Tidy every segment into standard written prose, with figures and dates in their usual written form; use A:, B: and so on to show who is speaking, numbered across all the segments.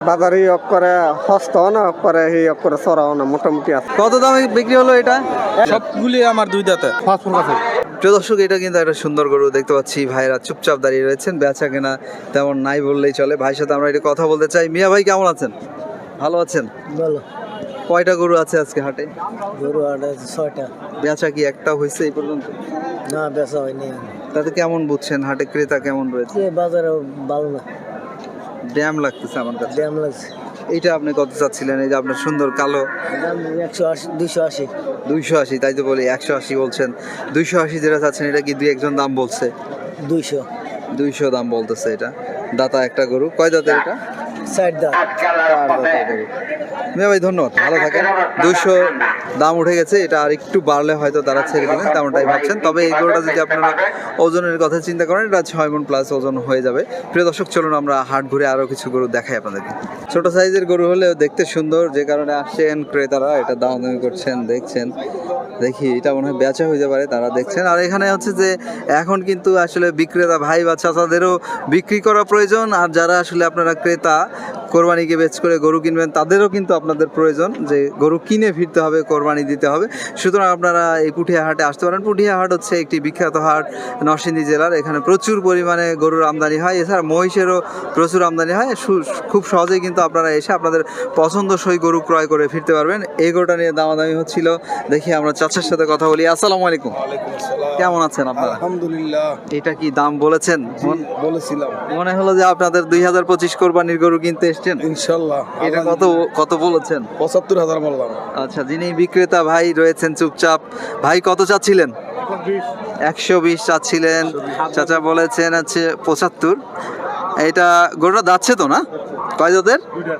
A: বাজারে করে হস্ত না করে করে সরাও না মোটামুটি আছে।
B: কত দামে বিক্রি হলো এটা?
C: সবগুলি আমার দুই দাঁতে।
B: প্রিয় দর্শক, এটা কিন্তু একটা সুন্দর গরু দেখতে পাচ্ছি। ভাইরা চুপচাপ দাঁড়িয়ে রয়েছেন, বেচা কেনা তেমন নাই বললেই চলে। ভাইয়ের সাথে আমরা এটা কথা বলতে চাই। মিয়া ভাই কেমন আছেন? ভালো আছেন?
A: বলো।
B: কয়টা গরু আছে আজকে হাটে?
A: গরু হাটে 6টা।
B: বেচা কি একটা হয়েছে এই পর্যন্ত?
A: না, বেচা হয়নি।
B: তাতে কেমন বুঝছেন হাটে ক্রেতা কেমন রয়েছে?
A: বাজারে ভালো না,
B: ড্যাম লাগতেছে আমার কাছে।
A: দাম লাগছে।
B: এইটা আপনি কত চাচ্ছিলেন? এই যে আপনার সুন্দর কালো,
A: দাম 180 280।
B: 280, তাই তো বলি 180 বলছেন। 280 যেটা চাচ্ছেন এটা কি দুই একজন দাম বলছে?
A: 200
B: দাম বলতেছে। এটা দাতা একটা গরু। কয় দাঁতের এটা?
A: 60 দাম।
B: মিয়া ভাই ধন্যবাদ, ভালো থাকেন। 200 দাম উঠে গেছে, এটা আর একটু বাড়লে হয়তো তারা ছেড়ে দেবেন তেমনটাই ভাবছেন। তবে এই গরুটা যদি আপনারা ওজনের কথা চিন্তা করেন, এটা 6 মণ প্লাস ওজন হয়ে যাবে। প্রিয় দর্শক, চলুন আমরা হাট ঘুরে আরও কিছু গরু দেখাই আপনাদেরকে। ছোট সাইজের গরু হলেও দেখতে সুন্দর, যে কারণে আসছেন ক্রেতারা, এটা দামাদামি করছেন, দেখছেন। দেখি এটা মনে হয় বেচা হয়ে যেতে পারে, তারা দেখছেন। আর এখানে হচ্ছে যে এখন কিন্তু আসলে বিক্রেতা ভাই বা চাচাদেরও বিক্রি করা প্রয়োজন, আর যারা আসলে আপনারা ক্রেতা কোরবানিকে বেচ করে গরু কিনবেন তাদেরও কিন্তু আপনাদের প্রয়োজন যে গরু কিনে ফিরতে হবে, কোরবানি দিতে হবে। সুতরাং আপনারা এই পুঠিয়া হাটে আসতে পারেন। পুঠিয়া হাট হচ্ছে একটি বিখ্যাত হাট নরসিংদী জেলার। এখানে প্রচুর পরিমাণে গরুর আমদানি হয়, এছাড়া মহিষেরও প্রচুর আমদানি হয়। খুব সহজেই কিন্তু আপনারা এসে আপনাদের পছন্দসই গরু ক্রয় করে ফিরতে পারবেন। এই গরুটা নিয়ে দামাদামি হচ্ছিল, দেখি আমরা চাচার সাথে কথা বলি। আসসালামু আলাইকুম। কেমন আছেন আপনারা?
C: আলহামদুলিল্লাহ।
B: এটা কি দাম বলেছেন?
C: বলেছিলাম
B: মনে হলো যে আপনাদের 2025 কোরবানির গরু কিনতে এসছেন।
C: ইনশাল্লাহ।
B: এটা কত বলেছেন?
C: ৭৫,০০০ বললাম।
B: আচ্ছা, যিনি বিক্রেতা ভাই রয়েছেন চুপচাপ, ভাই কত চাচ্ছিলেন? 120 চাচ্ছিলেন, চাচা বলেছেন আছে 75। এটা গরুটা যাচ্ছে তো না? কয় দাঁতের?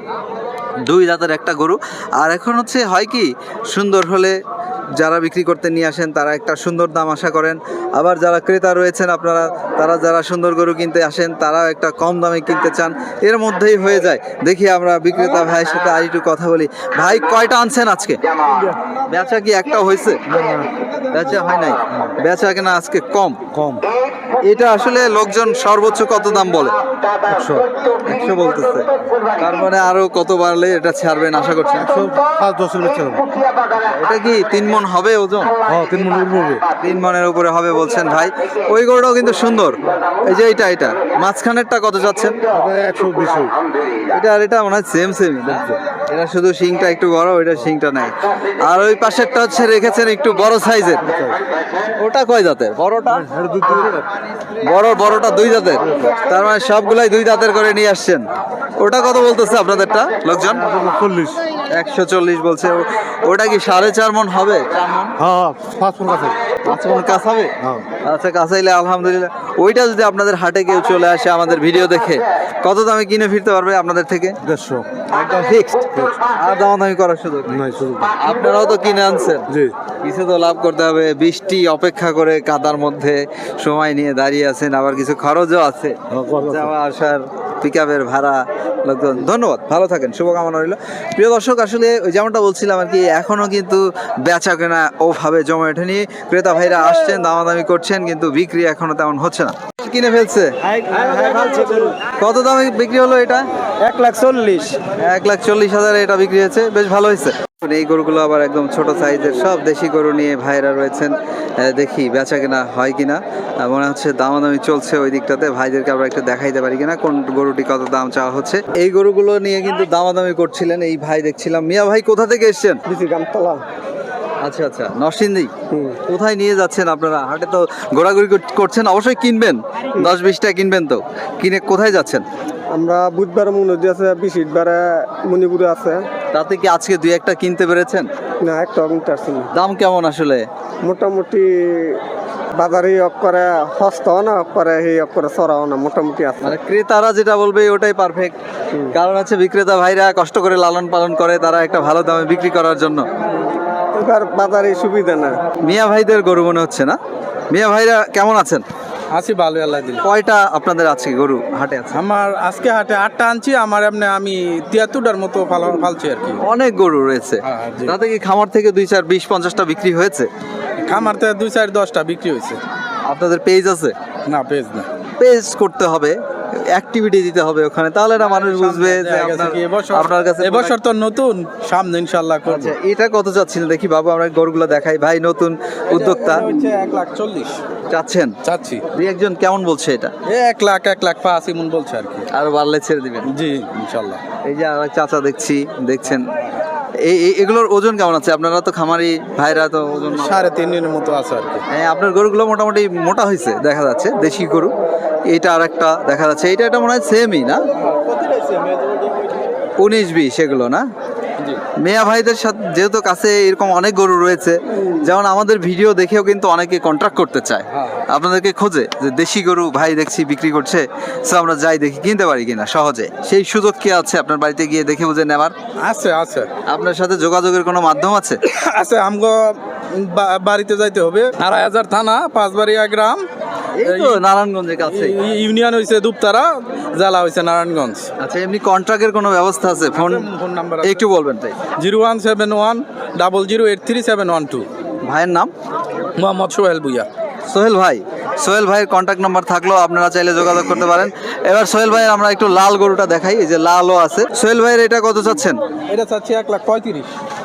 B: 2 দাঁতের একটা গরু। আর এখন হচ্ছে হয় কি, সুন্দর হলে যারা বিক্রি করতে নিয়ে আসেন তারা একটা সুন্দর দাম আশা করেন, আবার যারা ক্রেতা রয়েছেন আপনারা, তারা যারা সুন্দর গরু কিনতে আসেন তারাও একটা কম দামে কিনতে চান, এর মধ্যেই হয়ে যায়। দেখি আমরা বিক্রেতা ভাইয়ের সাথে আর একটু কথা বলি। ভাই কয়টা আনছেন আজকে? বেচা কি একটা হয়েছে? বেচা হয় নাই, বেচা কেনা আজকে কম। এটা আসলে লোকজন সর্বোচ্চ কত দাম বলে? 100 বলতেছে। তার মানে আরো কত বাড়লে এটা ছাড়বেন আশা করছেন?
A: 5-10
B: এটা কি 3 মণ হবে ওজন? 3 মণের উপরে হবে বলছেন ভাই। ওই গরুটাও কিন্তু সুন্দর। এই যে এটা মাঝখানেরটা কত যাচ্ছেন?
A: 120।
B: এটা আর এটা মনে হয় সেম। এটা শুধু শিংটা একটু বড়, ওইটা শিংটা নাই। আর ওই পাশেরটা হচ্ছে রেখেছেন একটু বড় সাইজের। ওটা কয় দাঁতের? বড়টা 2 দাঁতের। তার মানে সবগুলাই 2 দাঁতের করে নিয়ে আসছেন। ওটা কত বলতেছে আপনাদেরটা লোকজন? 140 বলছে। ওটা কি 4.5 মণ হবে?
A: 5
B: মণ কাছ হবে? আচ্ছা, কাছাইলে আলহামদুলিল্লাহ। ওইটা যদি আপনাদের হাটে কেউ চলে আসে আমাদের ভিডিও দেখে, কত দামে কিনে ফিরতে পারবে আপনাদের থেকে?
A: 150।
B: একদম ফিক্সড, আর দামাদামি করার সুযোগ নেই। আপনারাও তো কিনে আনছেন, কিছু তো লাভ করতে হবে। বৃষ্টি অপেক্ষা করে কাদার মধ্যে সময় নিয়ে দাঁড়িয়ে আছেন, আবার কিছু খরচও আছে, যাওয়া আসার, পিকআপের ভাড়া, লোকজন। ধন্যবাদ, ভালো থাকেন, শুভকামনা রইল। প্রিয় দর্শক, আসলে ওই যেমনটা বলছিলাম আর কি, এখনো কিন্তু বেচা কেনা ওভাবে জমে ওঠেনি। ক্রেতা ভাইরা আসছেন, দামাদামি করছেন, কিন্তু বিক্রি এখনো তেমন হচ্ছে না। কিনে ফেলছে? কত দামে বিক্রি হলো এটা?
A: 140,000।
B: 140,000 এটা বিক্রি হয়েছে, বেশ ভালো হয়েছে। এই গরুগুলো আবার একদম ছোট সাইজের, সব দেশি গরু নিয়ে ভাইরা রয়েছেন। দেখি বেচা কেনা হয় কিনা। মনে হচ্ছে দামাদামি চলছে ওই দিকটাতে। ভাইদেরকে আমরা একটু দেখাইতে পারি কিনা কোন গরুটি কত দাম চাওয়া হচ্ছে। এই গরুগুলো নিয়ে কিন্তু দামাদামি করছিলেন এই ভাই, দেখছিলাম। মিয়া ভাই কোথা থেকে এসছেন? আচ্ছা, নরসিংদী। কোথায় নিয়ে যাচ্ছেন আপনারা? হাটে তো ঘোরাঘুরি করছেন, অবশ্যই কিনবেন, 10-20টা কিনবেন তো। কিনে কোথায় যাচ্ছেন?
A: আমরা বুধবার মনোজি আছে, বৃহস্পতিবারে মণিপুরে আছে।
B: তাতে কি আজকে 2-1টা কিনতে পেরেছেন?
A: না, একটা কিনতে আসছি না।
B: দাম কেমন আসলে?
A: মোটামুটি বাজারে করে হস্ত না করে করে সরাও না, মোটামুটি আছে।
B: মানে ক্রেতারা যেটা বলবে ওটাই পারফেক্ট। কারণ হচ্ছে বিক্রেতা ভাইরা কষ্ট করে লালন পালন করে, তারা একটা ভালো দামে বিক্রি করার জন্য।
A: এবার বাজারে সুবিধা না।
B: মিয়া ভাইদের গরু মনে হচ্ছে না? মিয়া ভাইরা কেমন আছেন?
C: আছি ভালো, আল্লাহ দিলে।
B: কয়টা আপনাদের আছে গরু হাটে আছে?
C: আমার আজকে হাটে 8টা আনছি। আমার এমনি আমি 73টার মতো ফালছি আর কি।
B: অনেক গরু রয়েছে।
C: জি।
B: তাতে কি খামার থেকে 2-4-20-50টা বিক্রি হয়েছে?
C: খামার থেকে 2-4-10টা বিক্রি হয়েছে।
B: আপনাদের পেজ আছে?
C: না, পেজ না।
B: পেজ করতে হবে, অ্যাক্টিভিটি দিতে হবে ওখানে, তাহলে না মানুষ বুঝবে যে
C: দেখা গেছে কি
B: আপনার কাছে
C: এবছর তো নতুন, সামনে ইনশাল্লাহ করব।
B: আচ্ছা, এটা কত চাচ্ছিলেন দেখি বাবু, আমরা গরুগুলো দেখাই। ভাই নতুন উদ্যোক্তা,
C: হচ্ছে 1,40,000
B: চাচ্ছেন?
C: চাচ্ছি।
B: দুই একজন কেমন বলছে এটা?
C: 1,05,000 এমন বলছে আর কি।
B: আরো বাড়লে ছেড়ে দিবেন?
C: জি ইনশাল্লাহ।
B: এই যে আর এক চাচা দেখছেন, এগুলোর ওজন কেমন আছে? আপনারা তো খামারি ভাইরা, তো ওজন
C: 3.5 মতো আছে আর কি।
B: হ্যাঁ, আপনার গরুগুলো মোটামুটি মোটা হয়েছে দেখা যাচ্ছে, দেশি গরু। এটা আর একটা দেখা যাচ্ছে, এটা মনে হয় সেমই না, 19-20 এগুলো না? মেয়া ভাইদের সাথে যেহেতু কাছে এরকম অনেক গরু রয়েছে, যেমন আমাদের ভিডিও দেখেও কিন্তু অনেকে কন্ট্রাক্ট করতে চায়, আপনাদেরকে খোঁজে যে দেশি গরু ভাই দেখছি বিক্রি করছে, সো আমরা যাই দেখি কিনতে পারি কিনা সহজে। সেই সুযোগ কি আছে আপনার বাড়িতে গিয়ে দেখে বুঝে নেওয়ার?
C: আছে আছে
B: আপনার সাথে যোগাযোগের কোনো মাধ্যম আছে?
C: আছে, আমগো বাড়িতে যাইতে হবে। 2,500 থানা, 5বাড়িয়া গ্রাম,
B: এই তো নারায়ণগঞ্জের কাছে।
C: ইউনিয়ন হয়েছে দুপতারা, জেলা হয়েছে নারায়ণগঞ্জ।
B: আচ্ছা, এমনি কন্ট্রাক্টের কোনো ব্যবস্থা আছে? ফোন
C: নাম্বার
B: একটু বলবেন তাই।
C: 0171008712।
B: ভাইয়ের নাম?
C: মোহাম্মদ সোহেল ভুইয়া।
B: সোহেল ভাইয়ের কন্ট্যাক্ট নাম্বার থাকলেও আপনারা চাইলে যোগাযোগ করতে পারেন। এবার সোহেল ভাইয়ের আমরা একটু লাল গরুটা দেখাই, এই যে লালও আছে। সোহেল ভাইয়ের এটা কত চাচ্ছেন?
C: এটা চাচ্ছি 1,35,000।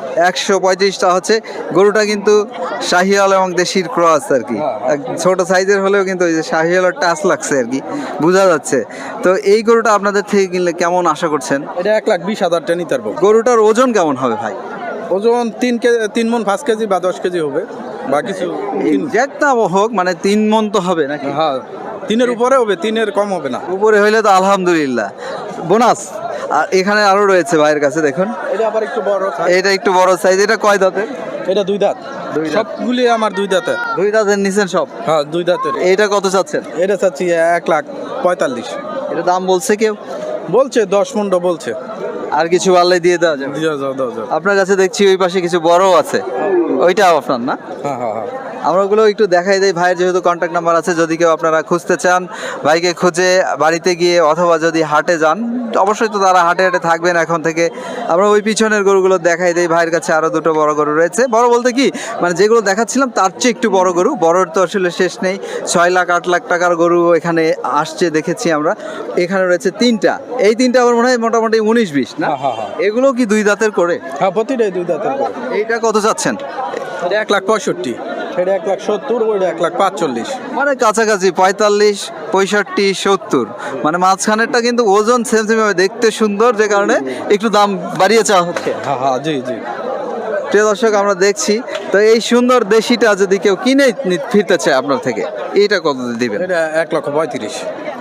B: 135টা হচ্ছে। গরুটা কিন্তু শাহিওয়াল এবং দেশির ক্রস আর কি, ছোট সাইজের হলেও কিন্তু ওই যে শাহিওয়ালের টাচ লাগছে আর কি, বোঝা যাচ্ছে। তো এই গরুটা আপনাদের থেকে কিনলে কেমন আশা করছেন?
C: এটা 1,20,000 নিতে পারবো।
B: গরুটার ওজন কেমন হবে ভাই?
C: ওজন 3 মণ 5 কেজি বা 10 কেজি হবে, বা কিছু
B: এক্সাক্ট না হোক, মানে 3 মণ তো হবে নাকি?
C: হ্যাঁ, 3-এর উপরে হবে, 3-এর কম হবে না।
B: উপরে হইলে তো আলহামদুলিল্লাহ, বোনাস। আর এখানে আরো রয়েছে ভাইয়ের কাছে, দেখুন
C: এটা আবার একটু বড় size।
B: এটা একটু বড় সাইজ। এটা কয় দাঁতের?
C: এটা 2 দাঁত।
B: দুই দাঁত।
C: সবগুলি আমার 2 দাঁতের।
B: 2 দাঁতের নিছেন সব?
C: হ্যাঁ, 2 দাঁতের।
B: এইটা কত চাচ্ছেন?
C: এটা চাচ্ছি 1,45,000।
B: এটা দাম বলছে কেউ?
C: বলছে 10 মণ বলছে।
B: আর কিছু বাড়লে দিয়ে দেওয়া যাবে?
C: দিয়ে যাও, দাও যাও।
B: আপনার কাছে দেখছি ওই পাশে কিছু বড় আছে, ওইটাও আপনার না?
C: হ্যাঁ হ্যাঁ হ্যাঁ।
B: আমরা ওগুলো একটু দেখাই দেই। ভাইয়ের যেহেতু কন্ট্যাক্ট নাম্বার আছে, যদি কেউ আপনারা খুঁজতে চান, ভাইকে খুঁজে বাড়িতে গিয়ে অথবা যদি হাটে যান, অবশ্যই তো তারা হাটে থাকবেন এখন থেকে। আমরা ওই পিছনের গরুগুলো দেখাই দেই। ভাইয়ের কাছে আরও 2টো বড় গরু রয়েছে। বড় বলতে কি, মানে যেগুলো দেখাচ্ছিলাম তার চেয়ে একটু বড় গরু। বড়র তো আসলে শেষ নেই, 6 লাখ 8 লাখ টাকার গরু এখানে আসছে দেখেছি আমরা। এখানে রয়েছে 3টা, এই 3টা আমার মনে হয় মোটামুটি 19-20 না?
C: হ্যাঁ, হ্যাঁ।
B: এগুলো কি 2 দাঁতের করে?
C: হ্যাঁ, প্রতিটাই 2 দাঁতের করে।
B: এইটা কত চাচ্ছেন?
C: এটা 1,65,000, এটা 1,70,000, ওইটা 1,45,000।
B: মানে কাছাকাছি 45, 65, 70, মানে মাঝখানেরটা কিন্তু ওজন সেম ভাবে দেখতে সুন্দর, যে কারণে একটু দাম বাড়িয়ে চাওয়া হচ্ছে।
C: হ্যাঁ হ্যাঁ, জি জি।
B: প্রিয় দর্শক, আমরা দেখছি তো এই সুন্দর দেশিটা যদি কেউ কিনে ফিরতে চায় আপনার থেকে, এইটা কত দিবেন?
C: এটা 1,35,000।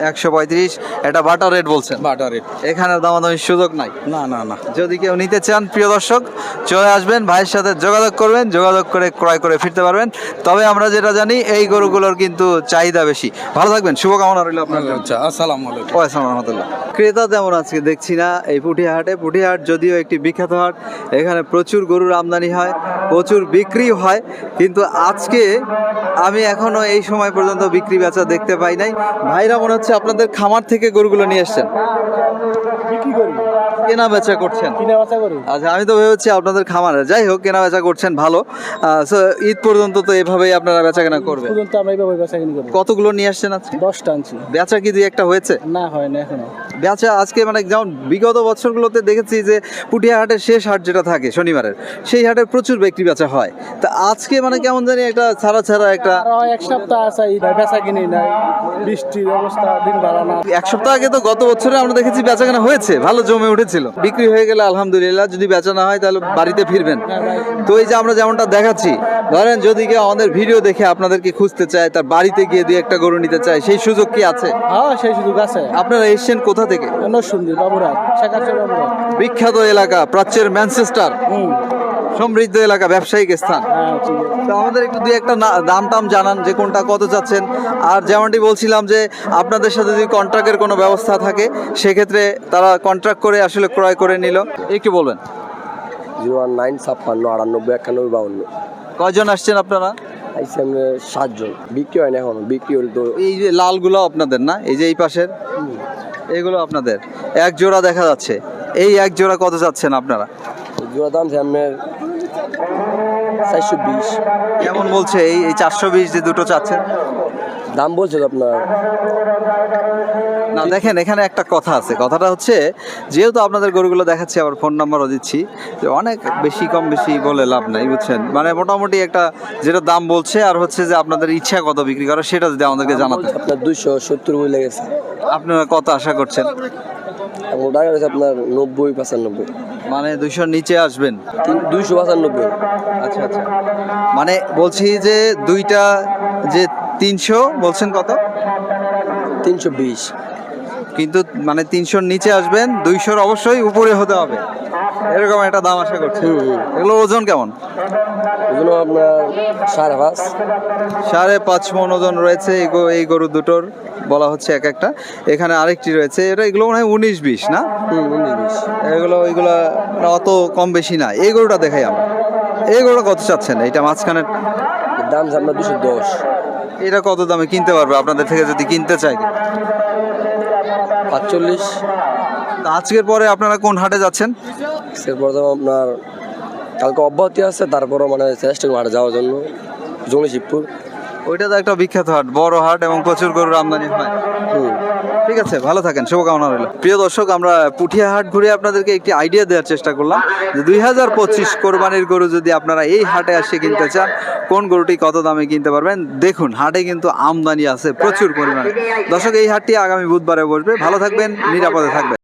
B: 135। এটা বাটার রেট বলছেন?
C: Butter rate.
B: এখানে দামাদামির সুযোগ নাই?
C: না না না।
B: যদি কেউ নিতে চান প্রিয় দর্শক, চলে আসবেন, ভাইয়ের সাথে যোগাযোগ করবেন, যোগাযোগ করে ক্রয় করে ফিরতে পারবেন। তবে আমরা যেটা জানি, এই গরুগুলোর কিন্তু চাহিদা বেশি। ভালো থাকবেন, শুভকামনা রইল আপনার জন্য।
C: আচ্ছা, আসসালামু আলাইকুম।
B: ওয়ালাইকুম রহমতুল্লাহ। ক্রেতা তেমন আজকে দেখছি না এই পুঠিহাট যদিও একটি বিখ্যাত হাট, এখানে প্রচুর গরুর আমদানি হয়, প্রচুর বিক্রি হয়, কিন্তু আজকে আমি এখনো এই সময় পর্যন্ত বিক্রি বেচা দেখতে পাই নাই। ভাইরা মনে হচ্ছে আপনাদের খামার থেকে গরুগুলো নিয়ে এসছেন,
C: বিক্রি করি,
B: কেনা বেচা করছেন?
C: কিনে বাসা করি।
B: আচ্ছা, আমি তো ভেবেছি আপনাদের খামারে। যাই হোক, কেনা বেচা করছেন, ভালো। সো ঈদ পর্যন্ত তো এভাবেই আপনারা বেচা কেনা করবেন?
C: পর্যন্ত আমরা এইভাবে বাসা কিনে করি।
B: কতগুলো নিয়ে আসছেন আজকে?
C: 10টা আনছি।
B: বেচা কি 2-1টা হয়েছে?
C: না, হয় না এখনো।
B: বেচা আজকে মানে যেমন বিগত বছরগুলোতে দেখেছি যে পুঠিয়া হাটের শেষ হাট যেটা থাকে শনিবারের, সেই হাটে প্রচুর বিক্রি বেচা হয়। তা আজকে মানে কেমন জানি একটা ছাড়া একটা।
C: আরো 1 সপ্তাহ আছে, বেচা কিনি নাই, বৃষ্টির অবস্থা, দিন ভালো না।
B: 1 সপ্তাহ আগে তো গত বছরে আমরা দেখেছি বেচা কেনা হয়েছে, ভালো জমে উঠেছিল। বিক্রি হয়ে গেলে আলহামদুলিল্লাহ, যদি বেচা না হয় তাহলে বাড়িতে ফিরবেন। তো এই যে আমরা যেমনটা দেখাচ্ছি, ধরেন যদি কেউ আমাদের ভিডিও দেখে আপনাদেরকে খুঁজতে চায়, তার বাড়িতে গিয়ে 2-1টা গরু নিতে চায়, সেই সুযোগ কি আছে?
C: হ্যাঁ, সেই সুযোগ আছে।
B: আপনারা এসছেন কোথা থেকে?
C: নরসিংদী, বাবুরহাট, শেখাচ্ছে বাবুরহাট।
B: বিখ্যাত এলাকা, প্রাচ্যের ম্যানচেস্টার, সমৃদ্ধ এলাকা, ব্যবসায়িক স্থান।
C: হ্যাঁ, ঠিক আছে।
B: তো আমাদের একটু 2-1টা দাম টাম জানান, যে কোনটা কত চাচ্ছেন। আর যেমনটি বলছিলাম যে আপনাদের সাথে যদি কন্ট্রাক্টের কোনো ব্যবস্থা থাকে, সেক্ষেত্রে তারা কন্ট্রাক্ট করে আসলে ক্রয় করে নিল, একটু বলবেন।
D: 01956 98 91 52।
B: কয়জন আসছেন আপনারা?
D: আইসি আমরা 7 জন। বিক্রি হয় না এখনো, বিক্রি হলে তো
B: এই যে লালগুলো আপনাদের না? এই যে এই পাশের এগুলো আপনাদের? এক জোড়া দেখা যাচ্ছে, এই এক জোড়া কত চাচ্ছেন আপনারা?
D: জোড়া দাম আপনার 420।
B: কেমন বলছে এই 420 যে দুটো চাচ্ছেন?
D: দাম বলছে তো আপনার
B: না না দেখেন এখানে একটা কথা আছে, কথাটা হচ্ছে যেহেতু আপনাদের গরুগুলো দেখাচ্ছি আবার ফোন নাম্বারও দিচ্ছি, যে অনেক বেশি কম বেশি বলে লাভ নাই বুঝছেন, মানে মোটামুটি একটা যেটা দাম বলছে আর হচ্ছে যে আপনাদের ইচ্ছা কত বিক্রি করা সেটা যদি আমাদেরকে জানাতে।
D: আপনার 270 বই লেগেছে,
B: আপনারা কত আশা করছেন?
D: এবং টাকা রয়েছে আপনার 90-95,
B: মানে 200 নিচে আসবেন?
D: 295।
B: আচ্ছা আচ্ছা, মানে বলছি যে দুইটা যে 300 বলছেন কত?
D: 320।
B: কিন্তু মানে 300 নিচে আসবেন, 200 অবশ্যই উপরে হতে হবে, এরকম একটা দাম আশা করছি। এগুলো ওজন কেমন?
D: ওজন আপনার 5.5।
B: 5.5 মণ ওজন রয়েছে এই গরু দুটোর বলা হচ্ছে এক একটা। এখানে আরেকটি রয়েছে, এগুলো মনে হয় 19-20 না?
D: 19-20।
B: ওইগুলো অত কম বেশি না। এই গরুটা দেখাই আমরা, এই গরুটা কত চাচ্ছেন? এইটা মাঝখানে
D: দাম আপনার 210।
B: এটা কত দামে কিনতে পারবে আপনাদের থেকে যদি কিনতে চাই?
D: 45।
B: আজকের পরে আপনারা কোন হাটে যাচ্ছেন?
D: এরপর তো আপনার কালকে অব্যাহতি আছে, তারপরও মানে চেষ্টা করি হাটে যাওয়ার জন্য, জঙ্গলি শিবপুর।
B: ওইটা তো একটা বিখ্যাত হাট, বড় হাট এবং প্রচুর গরুর আমদানি হয়। ঠিক আছে, ভালো থাকেন, শুভকামনা রইল। প্রিয় দর্শক, আমরা পুঠিয়া হাট ঘুরে আপনাদেরকে একটি আইডিয়া দেওয়ার চেষ্টা করলাম যে 2025 কোরবানির গরু যদি আপনারা এই হাটে আসে কিনতে চান, কোন গরুটি কত দামে কিনতে পারবেন। দেখুন হাটে কিন্তু আমদানি আছে প্রচুর পরিমাণে। দর্শক, এই হাটটি আগামী বুধবারে বসবে। ভালো থাকবেন, নিরাপদে থাকবেন।